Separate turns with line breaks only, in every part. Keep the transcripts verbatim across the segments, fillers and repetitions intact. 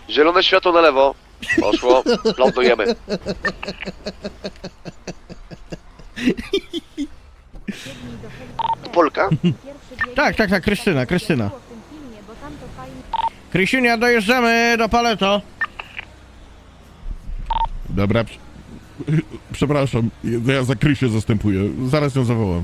Zielone światło na lewo. Poszło. Lądujemy. Polka?
Tak, tak, tak, Krystyna, Krystyna. Krysiunia, dojeżdżamy do Paleto.
Dobra, prz- przepraszam, ja za Krysię zastępuję, zaraz ją zawołam.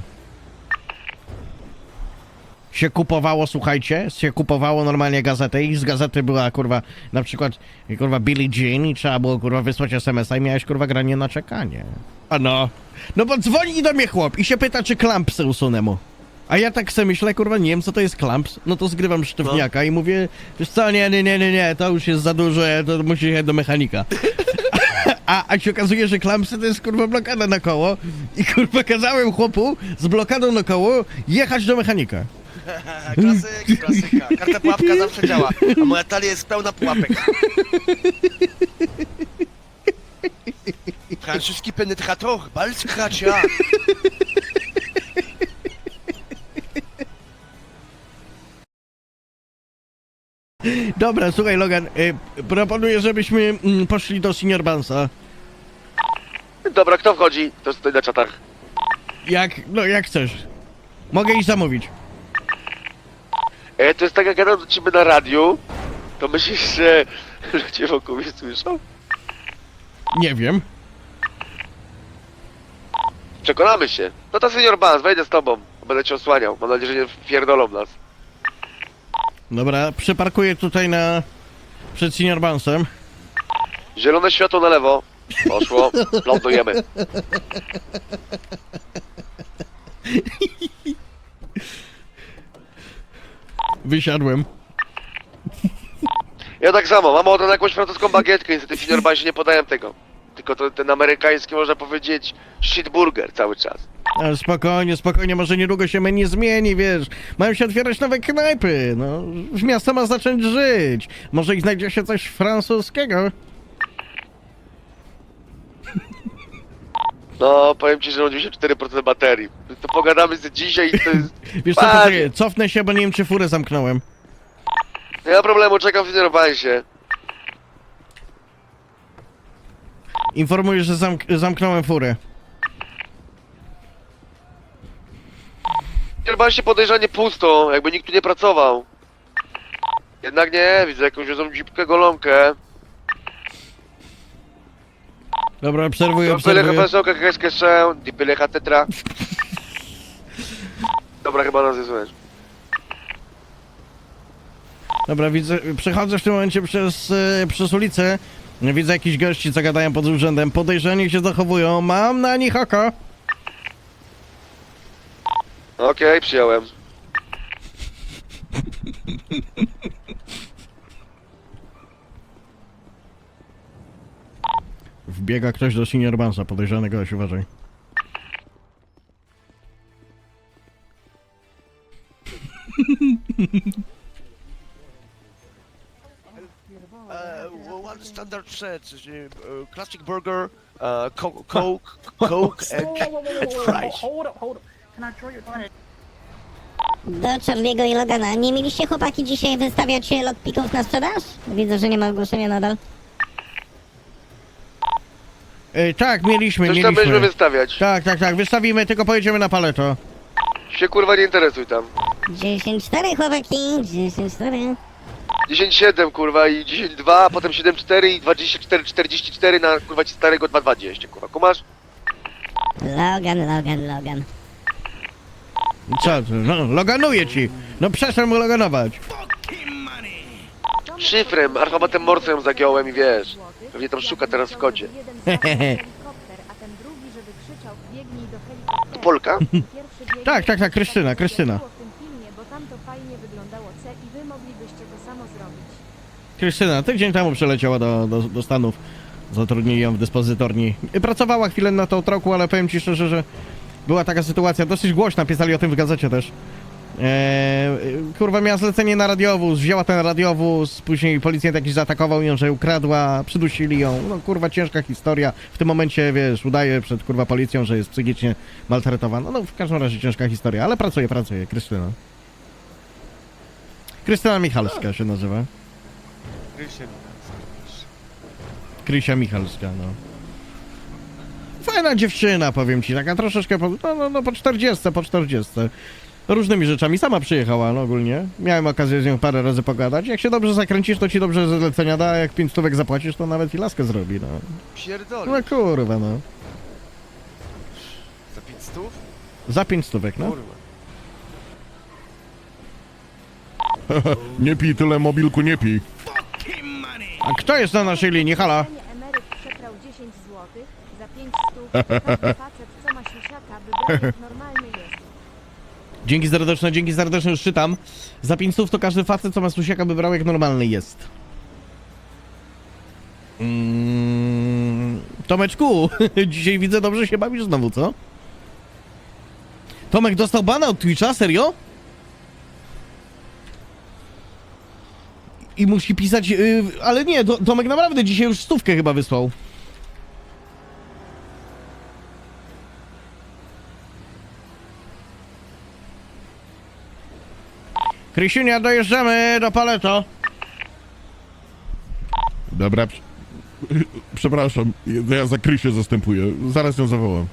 Się kupowało, słuchajcie, się kupowało normalnie gazetę i z gazety była, kurwa, na przykład, kurwa, Billie Jean i trzeba było, kurwa, wysłać es em es a i miałeś, kurwa, granie na czekanie. A no, no bo dzwoni do mnie chłop i się pyta, czy klampsy usunę mu. A ja tak sobie myślę, kurwa, nie wiem, co to jest klamps, no to zgrywam sztywniaka no. I mówię, wiesz co, nie, nie, nie, nie, nie, to już jest za dużo, to musi jechać do mechanika. A, a się okazuje, że klampsy to jest, kurwa, blokada na koło i, kurwa, kazałem chłopu z blokadą na koło jechać do mechanika.
Klasyk, klasyka. Karta pułapka zawsze działa, a moja talia jest pełna pułapek. Francuski penetrator, bal skracza.
Dobra, słuchaj, Logan, y, proponuję, żebyśmy mm, poszli do Senior Bansa.
Dobra, kto wchodzi? To stoi na czatach.
Jak, no jak chcesz. Mogę iść zamówić.
E, to jest tak, jak gadam do ciebie na radiu, to myślisz, że ludzie wokół mnie słyszą?
Nie wiem.
Przekonamy się. No to senior Bans, wejdę z tobą. Będę cię osłaniał. Mam nadzieję, że nie wpierdolą nas.
Dobra, przyparkuję tutaj na... przed Senior Bansem.
Zielone światło na lewo. Poszło. Lądujemy.
Wysiadłem.
Ja tak samo. Mam ochotę na jakąś francuską bagietkę. Niestety w senior Bansie nie podaję tego. Tylko to, ten amerykański, można powiedzieć, shitburger cały czas.
Ale spokojnie, spokojnie, może niedługo się menu zmieni, wiesz. Mają się otwierać nowe knajpy, no. Miasto ma zacząć żyć. Może i znajdzie się coś francuskiego.
No, powiem ci, że mam dziewięćdziesiąt cztery procent baterii. To pogadamy z dzisiaj i to jest...
Wiesz co,
Panie.
poczekaj, cofnę się, bo nie wiem, czy furę zamknąłem.
Nie ma problemu, czekam w senior Bansie.
Informuję, że zamk zamknąłem furę.
W senior Bansie podejrzanie pusto, jakby nikt tu nie pracował. Jednak nie, widzę jakąś wiozą dzipkę golonkę.
Dobra, obserwuję,
Byle
obserwuję.
profesorka, kreskę szę, byle tetra. Dobra, chyba nas jest słychać.
Dobra, widzę, przechodzę w tym momencie przez, e, przez ulicę. Widzę jakichś gości, co gadają pod urzędem. Podejrzani się zachowują. Mam na nich oko.
Okej, przyjąłem.
Wbiega ktoś do Senior Bansa, podejrzany gość, uważaj.
Uh, one standard set, uh, classic burger, uh, co coke, coke and, and fries.
Hold up, hold up. Can I draw your attention?
Do Charlie'ego i Logana. Nie mieliście chłopaki dzisiaj wystawiać lotpików na sprzedaż? Widzę, że nie ma ogłoszenia nadal.
E, tak, mieliśmy,
Coś tam będziemy
mieliśmy.
wystawiać.
Tak, tak, tak, wystawimy, tylko pojedziemy na Paleto.
Się kurwa nie interesuj tam.
dziesięć cztery chłopaki, dziesięć cztery.
dziesięć siedem kurwa i dziesięć dwa, potem siedem cztery i dwadzieścia cztery czterdzieści cztery na kurwa ci starego dwa dwadzieścia kurwa, kumasz?
Logan, Logan, Logan.
Co ty, no, loganuję ci. No przestań mu loganować.
Szyfrem, alfabetem Morse ją zagiąłem i wiesz. Pewnie tam szuka teraz w kodzie. Polka?
Tak, tak, tak, Krystyna, Krystyna. Krystyna, tydzień temu przyleciała do, do, do Stanów. Zatrudnili ją w dyspozytorni. Pracowała chwilę na tą troku, ale powiem ci szczerze, że była taka sytuacja dosyć głośna, pisali o tym w gazecie też. Eee, kurwa, miała zlecenie na radiowóz, wzięła ten radiowóz, później policjant jakiś zaatakował ją, że ukradła, przydusili ją. No kurwa, ciężka historia. W tym momencie, wiesz, udaje przed kurwa policją, że jest psychicznie maltretowana. No w każdym razie ciężka historia, ale pracuje, pracuje, Krystyna. Krystyna Michalska się nazywa.
Krysia
Krysia Michalska, no. Fajna dziewczyna, powiem ci, taka troszeczkę po, no, no, no po czterdziestce, po czterdziestce. Różnymi rzeczami, sama przyjechała, no ogólnie. Miałem okazję z nią parę razy pogadać. Jak się dobrze zakręcisz, to ci dobrze zlecenia da, a jak pięć stówek zapłacisz, to nawet i laskę zrobi, no.
pierdoli.
No kurwa, no.
Za pięć stów?
Za pięć stówek, no.
Kurwa.
Nie pij tyle, mobilku, nie pij.
A kto jest na naszej linii, hala?
Emeryt przeprał dziesięć złotych za pięć stów. Każdy facet, co ma siusiaka, wybrał jak normalny jest.
Dzięki serdeczne, dzięki serdeczne, już czytam. Za pięć stów to każdy facet, co ma susiaka, by brał jak normalny jest. Mm, Tomeczku, dzisiaj widzę, dobrze się bawisz znowu, co? Tomek dostał bana od Twitcha, serio? I musi pisać, yy, ale nie, to, Tomek naprawdę dzisiaj już stówkę chyba wysłał. Krysiunia, dojeżdżamy do Paleto.
Dobra, prz- przepraszam, ja za Krysię zastępuję. Zaraz ją zawołam.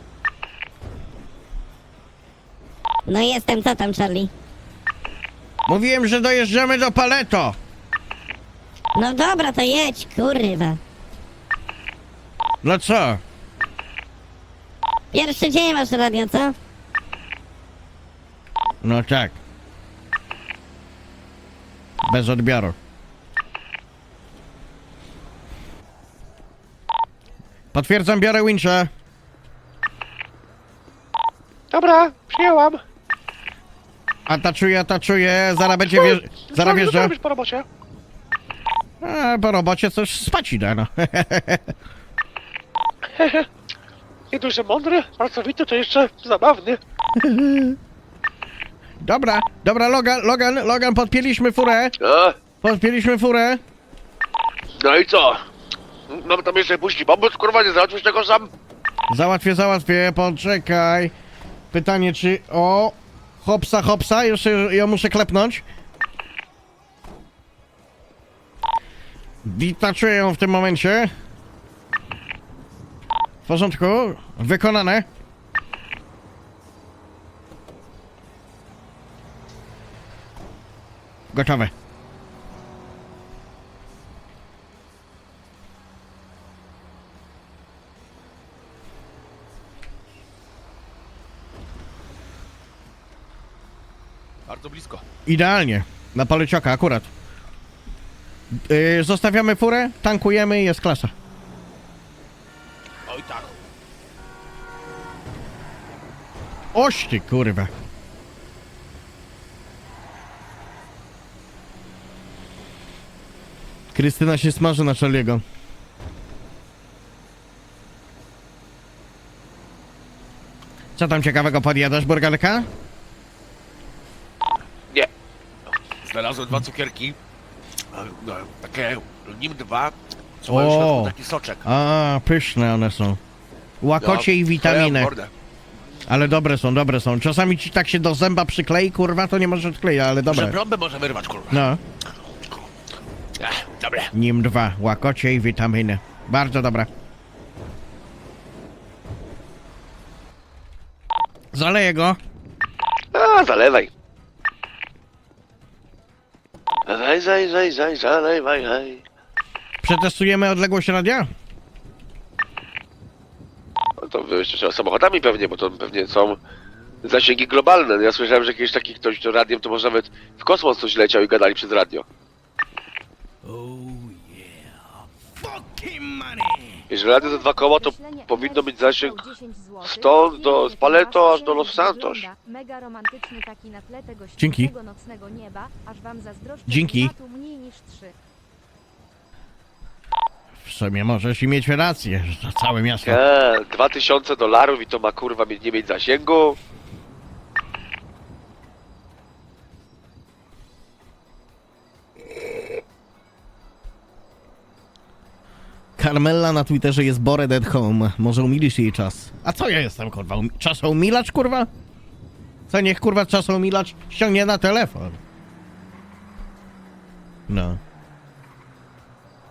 No jestem, co tam, Charlie?
Mówiłem, że dojeżdżamy do Paleto.
No dobra, to jedź, kurwa.
No co?
Pierwszy dzień masz radio, co?
No tak. Bez odbioru. Potwierdzam, biorę wincha.
Dobra, przyjęłam.
Ataczuję, ataczuję, zaraz będzie wjeżdż... Zaraz wjeżdża.
robisz po robocie?
A, po robocie coś spać idę, no.
Nie dość, że mądry, pracowity, to jeszcze zabawny.
Dobra, dobra, Logan, Logan, Logan, podpięliśmy furę.
A,
Podpięliśmy furę.
no i co? Mam tam jeszcze puścić pomóc, kurwa, nie załatwisz tego sam?
Załatwię, załatwię, poczekaj. Pytanie, czy... O! Hopsa, hopsa, jeszcze ją muszę klepnąć. Witaczuję ją w tym momencie. W porządku, wykonane. Gotowe.
Bardzo blisko.
Idealnie. Na palecioka, akurat. Yy, zostawiamy furę, tankujemy i jest klasa.
Oj tak.
Oś ty, kurwa. Krystyna się smaży na Charlie'ego. Co tam ciekawego podjadasz, burgerka?
Nie.
Znalazłem dwa cukierki. e, no, Takie nim dwa. Co
O.
mają w środku taki soczek.
A, pyszne one są. Łakocie i witaminy.
Ja, mordę.
Ale dobre są, dobre są. Czasami ci tak się do zęba przyklei, kurwa, to nie możesz odkleić, ale
Że
dobre.
brąbę może wyrwać, kurwa.
No.
Ech, dobre.
Nim dwa, łakocie i witaminy. Bardzo dobre. Zaleję go.
A, zalewaj. Zaj, zaj, zaj, zaj, zalewaj, zaj.
Przetestujemy odległość radia?
No to wy jeszcze trzeba samochodami pewnie, bo to pewnie są zasięgi globalne. Ja słyszałem, że kiedyś taki ktoś to radiem, to może nawet w kosmos coś leciał i gadali przez radio. Jeżeli radio za dwa koła, to
Określenie
powinno być
emeryt
zasięg
przeprał dziesięć złotych.
stąd do
Pięknie,
Paleto
wasz
aż do Los
księżyc
Santos.
wygląda Mega romantyczny taki na tle tego
Dzięki.
ścisłego nocnego nieba, aż wam zazdroszczę
Dzięki.
klimatu mniej niż trzy.
W sumie możesz i mieć rację, że to całe miasto.
Eee, dwa tysiące dolarów i to ma kurwa mieć- nie mieć zasięgu?
Carmella na Twitterze jest bored at home. Może umilisz jej czas. A co ja jestem, kurwa? Um czasomilacz, kurwa? Co, niech, kurwa, czasomilacz ściągnie na telefon. No.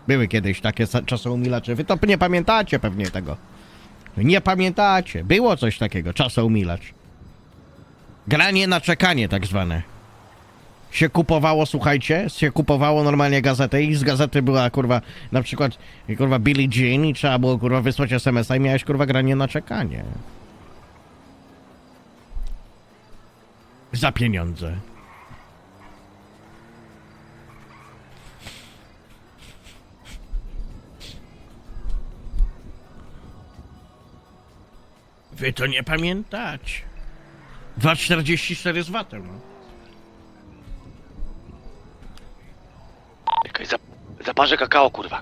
Były kiedyś takie sa- czasoumilacze. Wy to nie pamiętacie pewnie tego. Nie pamiętacie. Było coś takiego, czasoumilacz. Granie na czekanie tak zwane. Się kupowało, słuchajcie, się kupowało normalnie gazetę i z gazety była kurwa, na przykład kurwa Billie Jean i trzeba było kurwa wysłać es em es a i miałeś kurwa granie na czekanie. Za pieniądze. Wy to nie pamiętacie. dwa czterdzieści cztery z watem. No.
Jakaś zap zaparzę kakao, kurwa.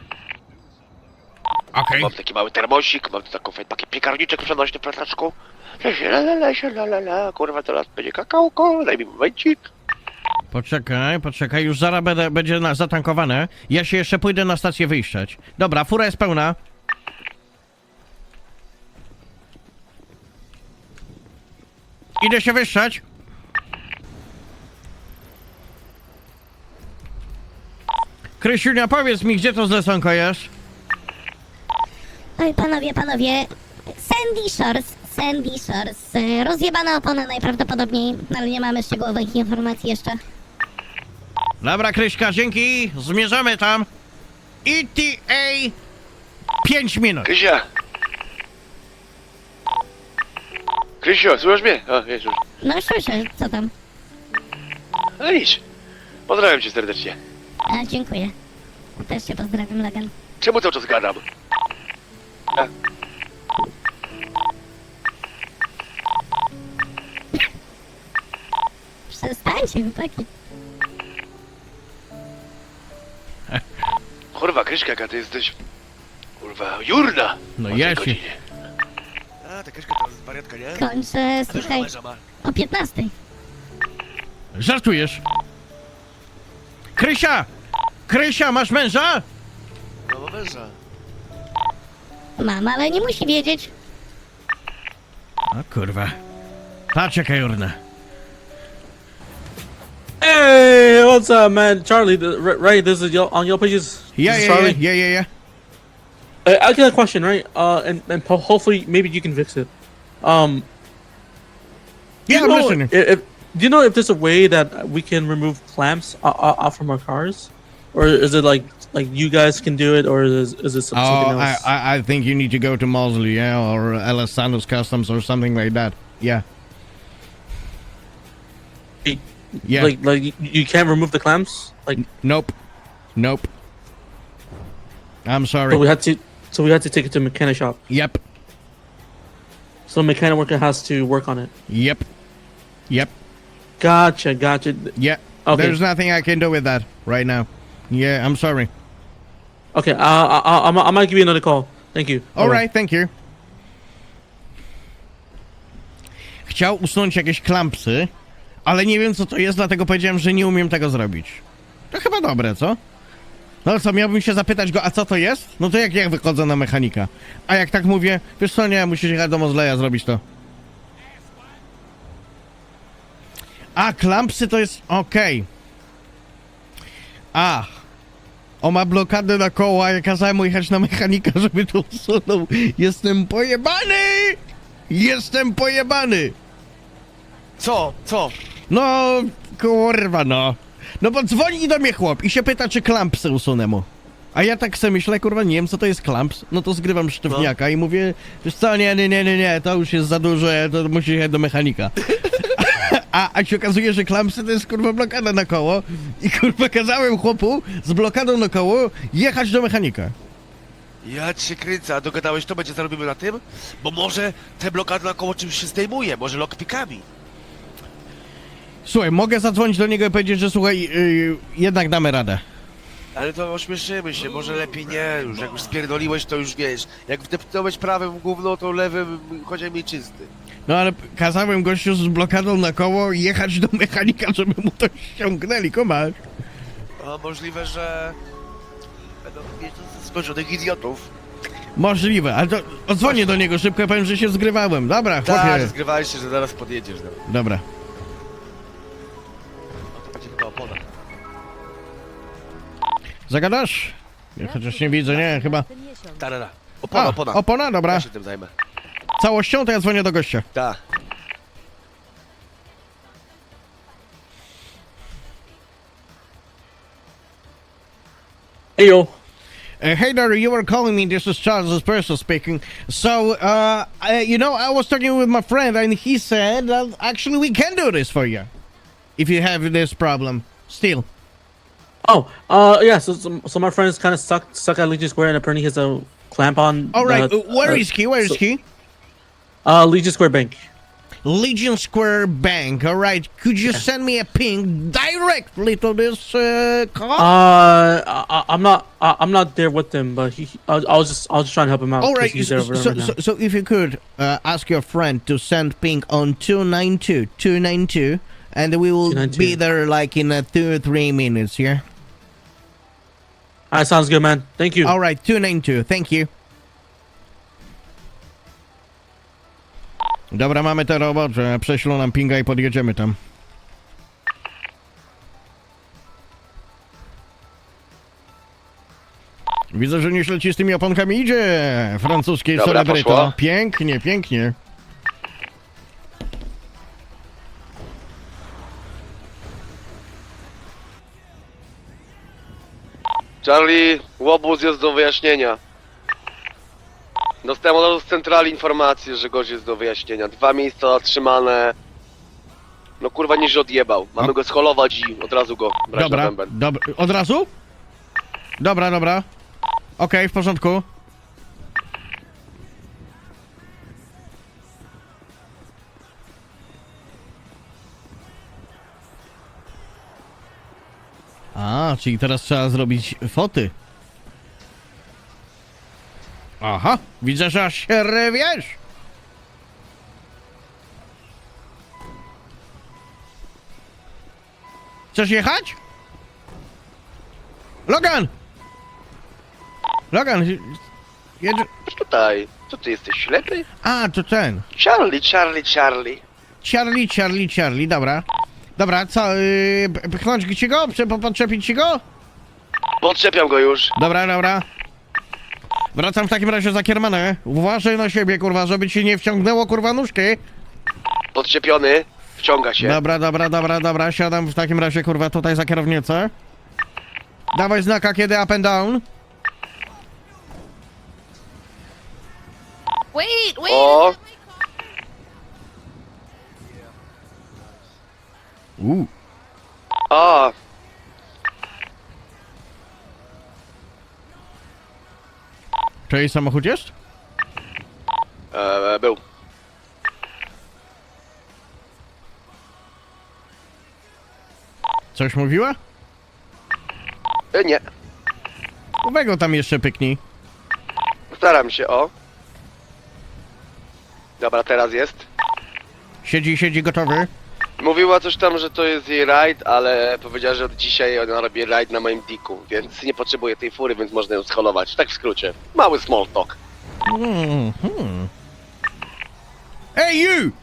Okej.
Mam taki mały termosik, mam tu taką fajny taki piekarniczek przenośny w plataczku. La la la la la la, kurwa, teraz będzie kakałko, daj mi momencik.
Poczekaj, poczekaj, już zaraz będę, będzie na, zatankowane. Ja się jeszcze pójdę na stację wyjściać. Dobra, fura jest pełna. Idę się wyszczać. Krysiunia, powiedz mi, gdzie to zleconko jest?
Oj, panowie, panowie. Sandy Shores, Sandy Shores. E, Rozjebana opona najprawdopodobniej, ale nie mamy szczegółowych informacji jeszcze.
Dobra, Kryśka, dzięki. Zmierzamy tam. E T A pięć minut.
Krysia! Krysio, słuchasz mnie? O, jest już.
No słyszę, co tam?
No idź. Pozdrawiam cię serdecznie.
A, dziękuję. Też cię pozdrawiam, Logan.
Czemu cały czas gadam? A,
Przestańcie, chłopaki.
kurwa, Kryśka, jaka ty jesteś... Kurwa, jurna!
No
O tej
ja się...
godzinie.
A, ta Kryśka to jest wariatka, nie?
Kończę,
A wiesz,
słuchaj,
męża ma.
o piętnastej.
Żartujesz? Krysia! Krysia, masz męża?
No, ma męża.
Mam, ale nie musi wiedzieć.
O kurwa. Patrz jaka jurna.
Hey, what's up, man? Charlie, the, right, right, this is your, on your pages.
Yeah,
This is
yeah,
Charlie.
yeah, yeah, yeah, yeah.
Uh, I got a question, right? Uh, and and po- hopefully maybe you can fix it. Um, do
Yeah,
you
I'm
know
listening.
if, if do you know if there's a way that we can remove clamps o- o- off from our cars, or is it like like you guys can do it, or is is it some-
Oh,
something
I,
else?
I, I think you need to go to Mosley, yeah, or L S Santos Customs or something like that. Yeah. Yeah.
Like like you, you can't remove the clamps. Like
Nope. Nope. I'm
so we
sorry.
had to so we had to take it to a mechanic shop.
Yep.
So mechanic worker has to work on it.
Yep. Yep.
Gotcha, gotcha.
Yeah.
Okay.
There's nothing I can do with that right now. Yeah, I'm sorry.
Okay, uh, I, I, I, I might give you another call. Thank you.
All
Bye-bye.
right, thank you. Chciał usunąć jakieś klampsy, ale nie wiem co to jest, dlatego powiedziałem, że nie umiem tego zrobić. To chyba dobre, co? No ale co, miałbym się zapytać go, a co to jest? No to jak ja wychodzę na mechanika? A jak tak mówię, wiesz co, nie, musisz jechać do Mozleya zrobić to. A, klampsy to jest... okej. A. On ma blokadę na koła, ja kazałem mu jechać na mechanika, żeby to usunął. Jestem pojebany! Jestem pojebany!
Co? Co?
No, kurwa no. No bo dzwoni do mnie chłop i się pyta, czy klampsy usunę mu. A ja tak sobie myślę, kurwa, nie wiem co to jest klamps. No to zgrywam sztywniaka i mówię, wiesz co, nie, nie, nie, nie, nie, to już jest za dużo, to musisz jechać do mechanika. A, a się okazuje, że klampsy to jest kurwa blokada na koło i kurwa kazałem chłopu z blokadą na koło jechać do mechanika.
Ja cię kręcę, a dogadałeś to, będzie zarobimy na tym? Bo może te blokady na koło czymś się zdejmuje, może lockpickami.
Słuchaj, mogę zadzwonić do niego i powiedzieć, że słuchaj, yy, jednak damy radę.
Ale to ośmieszymy się, może lepiej nie, już jak już spierdoliłeś, to już wiesz. Jak wdepnąłeś prawym w gówno, to lewym chociaż mi czysty.
No ale kazałem gościu z blokadą na koło jechać do mechanika, żeby mu to ściągnęli, kumasz?
A możliwe, że będą mieć skończonych idiotów.
Możliwe, ale to odzwonię do niego szybko, powiem, że się zgrywałem. Dobra,
Tak,
chłopie.
zgrywałeś się, że zaraz podjedziesz. No,
Dobra.
no to będzie chyba opona.
Zagadasz? Ja chociaż nie widzę, nie, chyba...
Tarara. Opona,
A,
opona.
opona, dobra.
Ja się tym zajmę.
Całością to ja dzwonię do gościa.
Tak.
Hey yo.
Uh, hey there, you were calling me. This is Charles Espresso speaking. So, uh, I, you know, I was talking with my friend, and he said that actually we can do this for you if you have this problem still.
Oh, uh, yeah. So, so, so my friend is kind of stuck stuck at Legion Square, and apparently he has a clamp on.
All right,
the-
uh, where
uh,
is he? Where is
so-
he?
Uh, Legion Square Bank.
Legion Square Bank. All right, could you send me a ping directly to this uh, call?
Uh, I, I'm not. I, I'm not there with him, but he. I, was- I was just. I was just trying to help him out.
All
'cause
right,
He's
so,
there over
so,
right now.
so, so if you could uh, ask your friend to send ping on two nine two two nine two, and we will
two nine two.
be there like in uh, two or three minutes, yeah?
All right, sounds good, man. Thank you.
All right, two nine two, thank you. Dobra, mamy te robocze, prześlą nam pinga i podjedziemy tam. Widzę, że nieźle ci z tymi oponkami idzie. Francuskiej
Dobra,
celebryto.
poszło.
Pięknie, pięknie.
Charlie, łobuz jest do wyjaśnienia. Dostałem od razu z centrali informację, że gość jest do wyjaśnienia. Dwa miejsca zatrzymane. No kurwa, niż odjebał. Mamy
No.
go scholować i od razu go brać na
Dobra,
bęben.
dobra. Od razu? Dobra, dobra. Okej, w porządku. A, czyli teraz trzeba zrobić foty. Aha, widzę, że aż się rywiesz. Chcesz jechać? Logan! Logan, jedzie...
Tutaj, co ty jesteś ślepy?
A, to ten.
Charlie, Charlie, Charlie.
Charlie, Charlie, Charlie, dobra. Dobra, co, yy, p- pchnąć ci go? Prze- Podczepić ci go?
Podczepiam go już.
Dobra, dobra. Wracam w takim razie za kiermanę. Uważaj na siebie, kurwa, żeby ci nie wciągnęło, kurwa, nóżki.
Podczepiony. Wciąga się.
Dobra, dobra, dobra, dobra. Siadam w takim razie, kurwa, tutaj za kierownicę. Dawaj znaka, kiedy up and down.
Wait, wait.
O,
Uuu.
a,
Czyjej samochód jest?
e, był.
Coś mówiła?
E, nie,
Uwego tam jeszcze pyknij.
staram się, o. Dobra, teraz jest.
Siedzi, siedzi, gotowy.
Mówiła coś tam, że to jest jej rajd, ale powiedziała, że od dzisiaj ona robi rajd na moim diku, więc nie potrzebuje tej fury, więc można ją scholować. Tak w skrócie. Mały small talk.
Hmm, hmm. Hey you!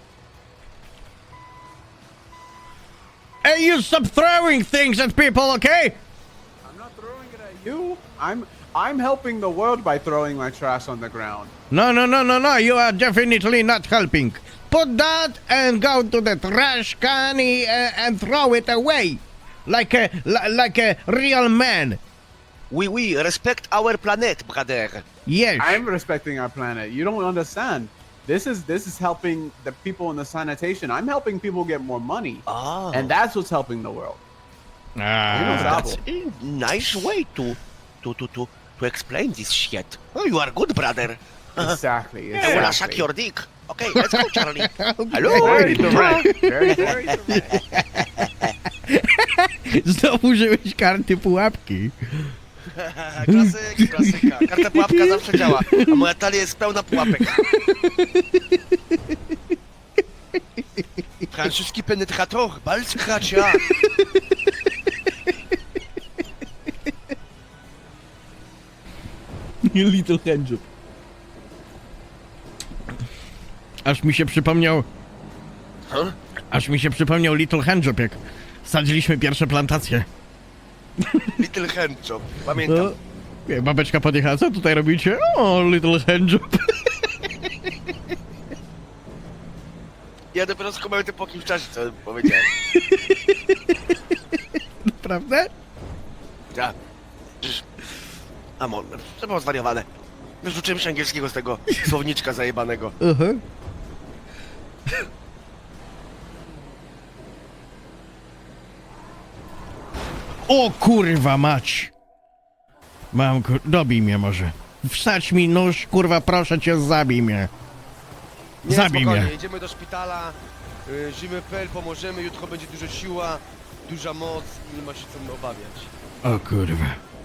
Hey you, stop throwing things at people, okay?
I'm not throwing it at you. I'm I'm helping the world by throwing my trash on the ground.
No, no, no, no, no, you are definitely not helping. Put that and go to the trash can uh, and throw it away. Like a, li- like a real man.
Oui, oui, respect our planet, brother.
Yes.
I'm respecting our planet. You don't understand. This is this is helping the people in the sanitation. I'm helping people get more money,
Ah,
and that's what's helping the world.
Ah.
that's a nice way to, to, to, to, to explain this shit. Oh, you are good, brother.
Exactly.
I wanna suck
Exactly.
your dick. Okay, let's go, Charlie. Hello.
Very direct. Very, very direct.
Znowu użyłeś karty pułapki.
Klasyk, klasyka. Karta pułapka zawsze działa, a moja talia jest pełna pułapek. Francuski penetrator, balskracia.
Little handjob. Aż mi się przypomniał...
Huh?
Aż mi się przypomniał Little handjob, jak sadziliśmy pierwsze plantacje.
Little handjob, pamiętam.
No, Nie, babeczka podjechała, co tutaj robicie? O, little handjob.
Ja dopiero skumałem to po jakimś czasie, co powiedziałem.
Prawda?
Ja. Przecież... Amon, to było zwariowane. Wyrzuciłem się angielskiego z tego słowniczka zajebanego.
Uh-huh. O kurwa mać! Mam kur... Dobij mnie może. Wsadź mi nóż, kurwa, proszę cię, zabij mnie.
Nie,
Zabij
spokojnie,
mnie.
jedziemy do szpitala, y, Zimy kropka pe el, pomożemy, jutro będzie dużo siła, duża moc i nie ma się co obawiać.
O kurwa.